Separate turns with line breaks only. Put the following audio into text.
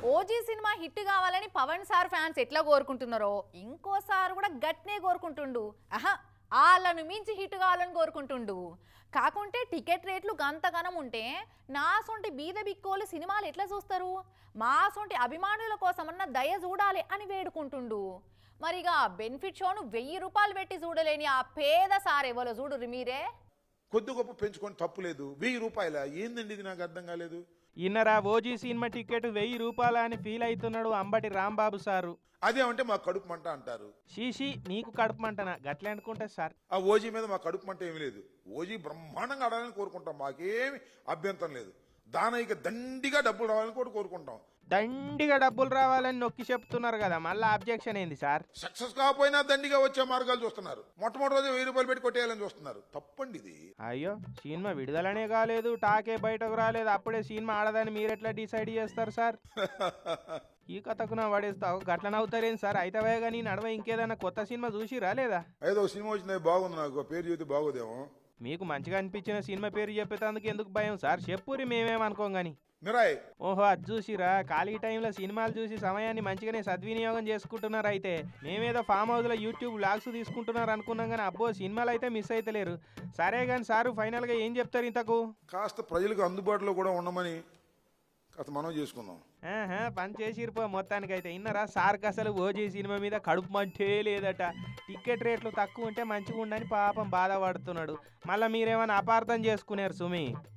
OG cinema hit కావాలని Pawan sir fans ఎట్లా కోరుకుంటున్నారో ఇంకోసారి కూడా గట్నే కోరుకుంటుండు. వాళ్ళను మించి హిట్ కావాలని కోరుకుంటుండు. కాకుంటే టికెట్ రేట్లు గంతగనం ఉంటే నా సొంటి బీద బిక్కోలు సినిమాలు ఎట్లా చూస్తారు? మా సొంటి అభిమానుల కోసమన్నా దయ చూడాలి అని వేడుకుంటుండు. మరిగా బెనిఫిట్ షోను 1000 రూపాయలు పెట్టి చూడలేని ఆ పేద సార్ ఎవరో చూడుర్రి మీరే.
కొద్ది గొప్ప పెంచుకొని తప్పులేదు. 1000 రూపాయల ఏందండి ఇది? నాకు అర్థం కాలేదు.
ఇన్నరా ఓజీ సినిమా టికెట్ 1000 రూపాయలు అని ఫీల్ అవుతున్నాడు అంబటి రాంబాబు సారు.
అదేమంటే మా కడుపు మంట అంటారు.
షీషి నీకు కడుపు మంటనా? గట్లే అనుకుంటా సార్.
ఆ ఓజీ మీద మా కడుపు మంట ఏమి లేదు. ఓజీ బ్రహ్మాండంగా ఆడాలని కోరుకుంటాం, మాకేమి అభ్యంతరం లేదు. దానయ్యకి దండిగా డబ్బులు రావాలని కూడా కోరుకుంటాం.
దండిగా డబ్బులు రావాలని నొక్కి చెప్తున్నారు కదా, మళ్ళీ అబ్జెక్షన్ ఏంది సార్?
సక్సెస్ కాకపోయినా దండిగా వచ్చే మార్గాలు చూస్తున్నారు. మొట్టమొదటి రోజు 1000 రూపాయలు పెట్టి కొట్టేయాలని చూస్తున్నారు. తప్పండి ఇది.
అయ్యో సినిమా విడుదలనే కాలేదు, టాకే బయటకు రాలేదు, అప్పుడే సినిమా ఆడదని మీరెట్లా డిసైడ్ చేస్తారు సార్? ఈ కథకు నా పడేస్తావు గట్ల నవ్వుతారేం సార్? అయితే కానీ నడవ ఇంకేదైనా కొత్త సినిమా చూసి రాలేదా?
ఏదో సినిమా వచ్చింది బాగుంది, నాకు పేరు చెబితే బాగోదేమో.
మీకు మంచిగా అనిపించిన సినిమా పేరు చెప్పేందుకు ఎందుకు భయం సార్? చెప్పురి, మేమేమనుకోం గాని.
మిరాయ్
ఓహో అది చూసిరా, ఖాళీ టైంలో సినిమాలు చూసి సమయాన్ని మంచిగానే సద్వినియోగం చేసుకుంటున్నారు. అయితే మేమేదో ఫామ్ హౌస్లో యూట్యూబ్ వ్లాగ్స్ తీసుకుంటున్నారు అనుకున్నాం కానీ అబ్బో సినిమాలు అయితే మిస్ అయితలేరు. సరే కానీ సారు ఫైనల్గా ఏం చెప్తారు ఇంతకు?
కాస్త ప్రజలకు అందుబాటులో కూడా ఉండమని కాస్త మనం చేసుకుందాం.
పని చేసిరిపో మొత్తానికి. అయితే ఇన్నరా సార్కి అసలు ఓజీ సినిమా మీద కడుపు మంటే లేదట. టికెట్ రేట్లు తక్కువ ఉంటే మంచిగా ఉండని పాపం బాధపడుతున్నాడు. మళ్ళీ మీరేమైనా అపార్థం చేసుకున్నారు సుమి?